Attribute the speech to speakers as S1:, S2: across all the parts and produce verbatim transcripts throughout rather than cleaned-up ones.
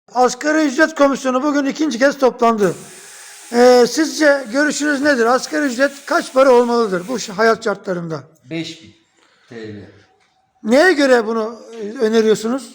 S1: Asgari ücret komisyonu bugün ikinci kez toplandı. Ee, sizce görüşünüz nedir? Asgari ücret kaç para olmalıdır bu hayat şartlarında?
S2: beş bin T L.
S1: Neye göre bunu e, öneriyorsunuz?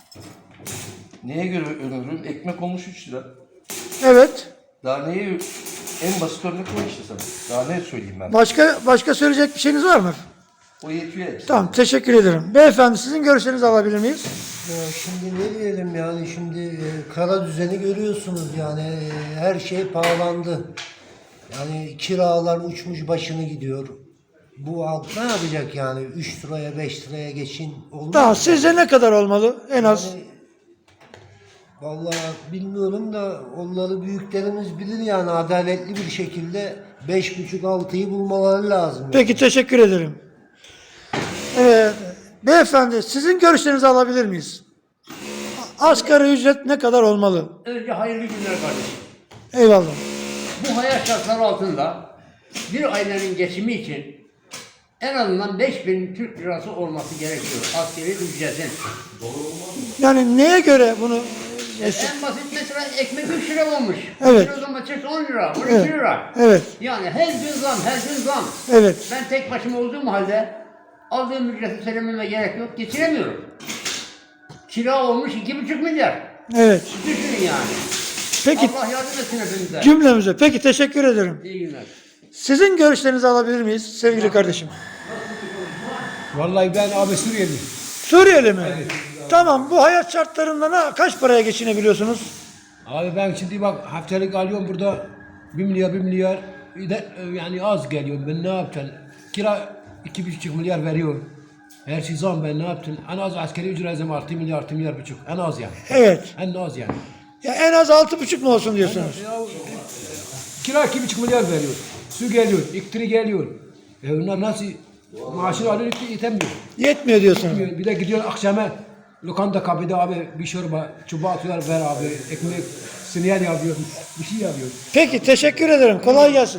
S2: Neye göre öneriyorum? Ekmek olmuş üç lira.
S1: Evet.
S2: Daha neye en basit örnek o işte sana. Daha ne söyleyeyim ben?
S1: Başka başka söyleyecek bir şeyiniz var mı?
S2: O yetiyor hepsi.
S1: Tamam, teşekkür ederim. Beyefendi, sizin görüşlerinizi alabilir miyiz?
S3: Ya şimdi ne diyelim yani şimdi e, kara düzeni görüyorsunuz yani e, her şey pahalandı. Yani kiralar uçmuş başını gidiyor. Bu halk ne yapacak yani üç liraya beş liraya geçin olur mu?
S1: Tamam, sizce ne kadar olmalı en az?
S3: Yani, vallahi bilmiyorum da onları büyüklerimiz bilir yani adaletli bir şekilde beş buçuk altıyı bulmaları lazım.
S1: Peki, teşekkür ederim. Evet, beyefendi, sizin görüşlerinizi alabilir miyiz? Asgari ücret ne kadar olmalı?
S4: Önce hayırlı günler kardeşim.
S1: Eyvallah.
S4: Bu hayat şartları altında bir ailenin geçimi için en azından beş bin Türk lirası olması gerekiyor. Askeri ücretin.
S1: Yani neye göre bunu?
S4: En basit mesela ekmek üç lira olmuş.
S1: Evet.
S4: Bir kilo domates on lira, on iki
S1: Evet.
S4: lira.
S1: Evet.
S4: Yani her gün zam, her gün zam.
S1: Evet.
S4: Ben tek başıma olduğum halde aldığım ücreti söylememe gerek yok. Geçiremiyorum. Kira olmuş iki buçuk milyar.
S1: Evet.
S4: Düşünün yani.
S1: Peki,
S4: Allah yardım etsin hepimize.
S1: cümlemize. Peki, teşekkür ederim.
S4: İyi günler.
S1: Sizin görüşlerinizi alabilir miyiz sevgili kardeşim?
S5: Vallahi ben abi Suriyeliyim.
S1: Suriyeli mi? Tamam, bu hayat şartlarında ne, kaç paraya geçinebiliyorsunuz?
S5: Abi ben şimdi bak haftalık alıyorum burada bir milyar bir milyar bir de, e, yani az geliyor ben ne yapacağım? Kira iki buçuk milyar veriyor. Her şey zam ben ne yaptım? En az askeri ücretim artı milyar artı milyar buçuk. En az yani.
S1: Evet.
S5: En az yani.
S1: Ya en az altı buçuk mu olsun diyorsunuz?
S5: Ya, e, kira iki buçuk milyar veriyor. Su geliyor, elektrik geliyor. E onlar nasıl maaşını alıyor ki yetemiyor.
S1: Yetmiyor diyorsunuz.
S5: Bir de gidiyor akşama lokanta kapıda abi bir çorba çubuğa atıyorlar ver abi ekmek sinyal yapıyor bir şey yapıyor.
S1: Peki, teşekkür ederim. Kolay gelsin.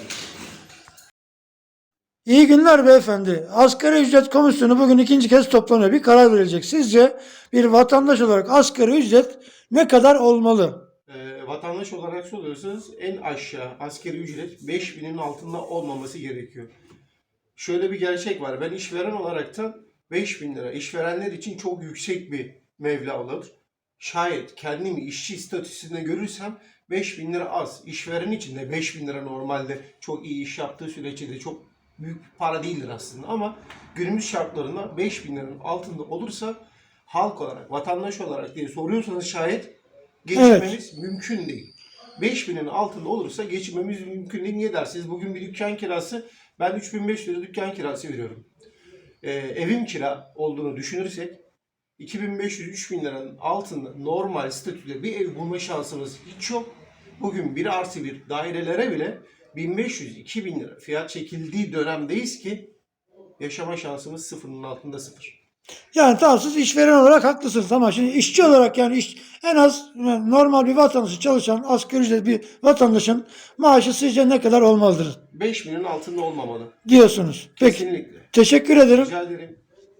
S1: İyi günler beyefendi. Asgari ücret komisyonu bugün ikinci kez toplanıyor. Bir karar verilecek. Sizce bir vatandaş olarak asgari ücret ne kadar olmalı?
S6: E, vatandaş olarak soruyorsanız en aşağı askeri ücret beş binin altında olmaması gerekiyor. Şöyle bir gerçek var. Ben işveren olaraktan beş bin lira işverenler için çok yüksek bir meblağ olur. Şayet kendimi işçi statüsünde görürsem beş bin lira az. İşveren için de beş bin lira normalde çok iyi iş yaptığı sürece de çok büyük bir para değildir aslında. Ama günümüz şartlarında beş bin liranın altında olursa halk olarak, vatandaş olarak diye soruyorsanız şayet geçinmemiz mümkün değil. beş binin altında olursa geçinmemiz mümkün değil. Niye dersiniz? Bugün bir dükkan kirası, ben üç bin beş yüz lira dükkan kirası veriyorum. Ee, evim kira olduğunu düşünürsek iki bin beş yüz üç bin liranın altında normal statüde bir ev bulma şansımız hiç yok. Bugün bir artı bir dairelere bile bin beş yüz iki bin lira fiyat çekildiği dönemdeyiz ki yaşama şansımız sıfırın altında sıfır.
S1: Yani tamam, siz işveren olarak haklısınız ama şimdi işçi olarak yani iş, en az normal bir vatandaşı çalışan asgari ücret bir vatandaşın maaşı sizce ne kadar olmalıdır
S6: beş binin altında olmamalı.
S1: diyorsunuz. Peki,
S6: Kesinlikle.
S1: teşekkür ederim.
S6: Rica ederim.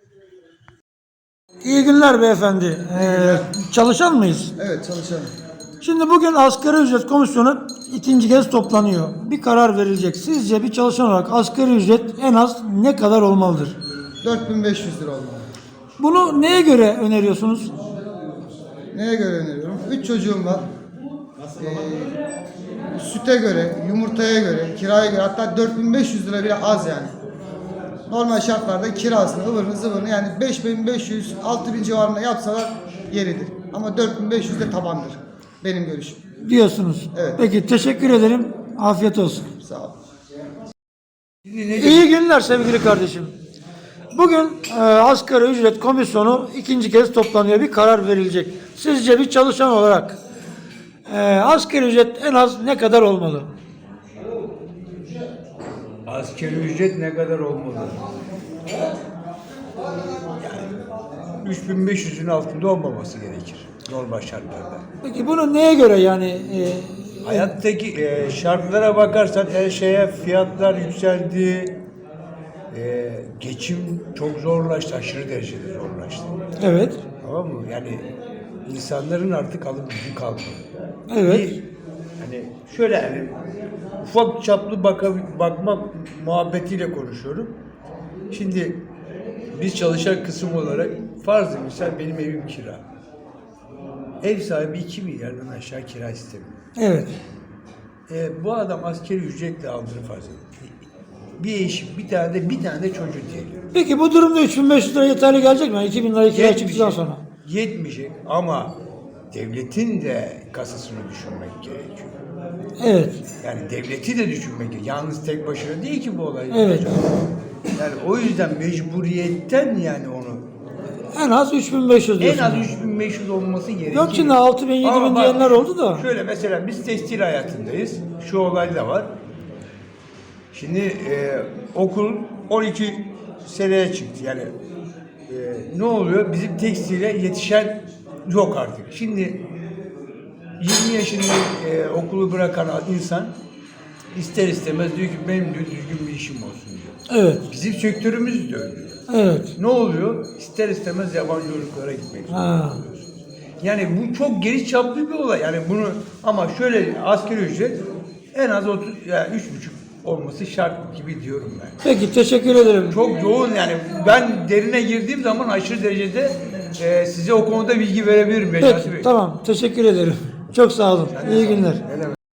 S1: İyi günler beyefendi. Ee, çalışan mıyız?
S7: Evet, çalışalım.
S1: Şimdi bugün asgari ücret komisyonu ikinci kez toplanıyor. Bir karar verilecek. Sizce bir çalışan olarak asgari ücret en az ne kadar olmalıdır?
S7: dört bin beş yüz lira olmalı.
S1: Bunu neye göre öneriyorsunuz?
S7: Neye göre öneriyorum? üç çocuğum var. Ee, süte göre, yumurtaya göre, kiraya göre hatta dört bin beş yüz lira bile az yani. Normal şartlarda kirasını, ıvırını, zıvırını yani beş bin beş yüz altı bin civarında yapsalar yeridir. Ama dört bin beş yüz de tabandır. Benim görüşüm.
S1: Diyorsunuz.
S7: Evet.
S1: Peki, teşekkür ederim. Afiyet olsun.
S7: Sağ ol.
S1: İyi günler sevgili kardeşim. Bugün e, asgari ücret komisyonu ikinci kez toplanıyor. Bir karar verilecek. Sizce bir çalışan olarak e, asgari ücret en az ne kadar olmalı?
S8: Asgari ücret ne kadar olmalı? Yani üç bin beş yüzün altında olmaması gerekir normal şartlarda.
S1: Peki bunu neye göre yani? E,
S8: Hayattaki e, şartlara bakarsan her şeye fiyatlar yükseldi. E, geçim çok zorlaştı, aşırı derecede zorlaştı.
S1: evet.
S8: Tamam mı? Yani insanların artık alım gücü kalmadı.
S1: Evet.
S8: Bir, hani şöyle yani ufak çaplı baka, bakma muhabbetiyle konuşuyorum. Şimdi biz çalışan kısım olarak farzı misal benim evim kira. Ev sahibi iki milyardan aşağı kira istemiyor.
S1: Evet.
S8: E, bu adam askeri ücretle aldığını farz edin. Bir eşi, bir tane de bir tane de çocuğu diyelim.
S1: Peki bu durumda üç bin beş yüz lira yeterli gelecek mi? iki bin lira kira çıktıktan
S8: Yetmeyecek,
S1: sonra.
S8: yetmeyecek ama devletin de kasasını düşünmek gerekiyor.
S1: Evet.
S8: Yani devleti de düşünmek gerekiyor. Yalnız tek başına değil ki bu olay.
S1: Evet.
S8: Yani o yüzden mecburiyetten yani onu
S1: En az üç bin beş yüz
S8: en
S1: diyorsun.
S8: az üç bin beş yüz olması gerekiyor.
S1: Yok şimdi altı bin yedi
S8: Ama
S1: bin
S8: bak,
S1: diyenler oldu da.
S8: Şöyle mesela biz tekstil hayatındayız. Şu olay da var. Şimdi e, okul on iki seneye çıktı. Yani e, ne oluyor? Bizim tekstile yetişen yok artık. Şimdi yirmi yaşında e, okulu bırakan insan ister istemez diyor ki benim diyor düzgün bir işim olsun diyor.
S1: Evet.
S8: Bizim sektörümüz de öyle.
S1: Evet.
S8: Ne oluyor? İster istemez yabancı ırklara gitmek zorunda
S1: Ha.
S8: kalıyorsunuz. Yani bu çok geniş çaplı bir olay. Yani bunu ama şöyle asgari ücret en az otuz yani üç buçuk olması şart gibi diyorum ben.
S1: Peki teşekkür ederim.
S8: Çok yoğun yani ben derine girdiğim zaman aşırı derecede e, size o konuda bilgi verebilirim Necati Bey.
S1: Peki tamam teşekkür ederim. Çok sağ olun. İyi günler.